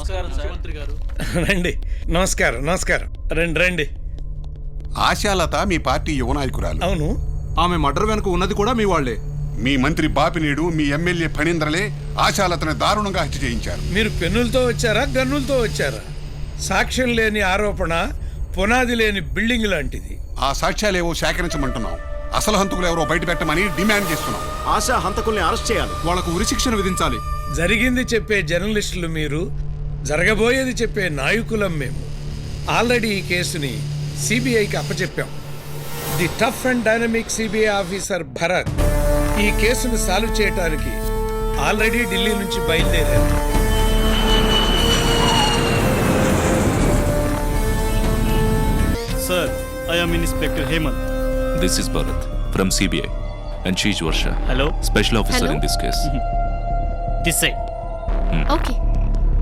నమస్కారం ముఖ్యమంత్రి గారు. రండి. నమస్కారం నమస్కారం. రండి రండి. ఆశాలత మీ పార్టీ యువ నాయకురాలు. అవును. ఆమె మర్డర్ వెనుక ఉన్నది కూడా మీ వాళ్లే. మీ మంత్రి బాపినీడు, మీ ఎమ్మెల్యే ఫణీంద్రలే ఆశాలతని దారుణంగా హత్య చేయించారు. మీరు పెన్నులతో వచ్చారా గన్నులతో వచ్చారా? సాక్ష్యం లేని ఆరోపణ పునాది లేని బిల్డింగ్ లాంటిది. ఆ సాక్ష్యాలేవో సేకరించమంటున్నాం. అసలు హంతకులు ఎవరో బయట పెట్టమని డిమాండ్ చేస్తున్నాం. ఆశా హంతకుల్ని అరెస్ట్ చేయాలి. వాళ్లకు ఉరిశిక్షణ విధించాలి. జరిగింది చెప్పే జర్నలిస్టులు మీరు, జరగబోయేది చెప్పే నాయకులం మేము. ఆల్రెడీ ఈ కేసుని సిబిఐకి అప్పచెప్పాం. The tough and dynamic CBI officer Bharat ఈ కేసును సాల్వ్ చేయడానికి ఆల్రెడీ ఢిల్లీ నుంచి బయలుదేరారు. Sir, I am Inspector Hemant. This is Bharat from CBI and she is Varsha. Hello. Special officer Hello. in this case. This side. Okay.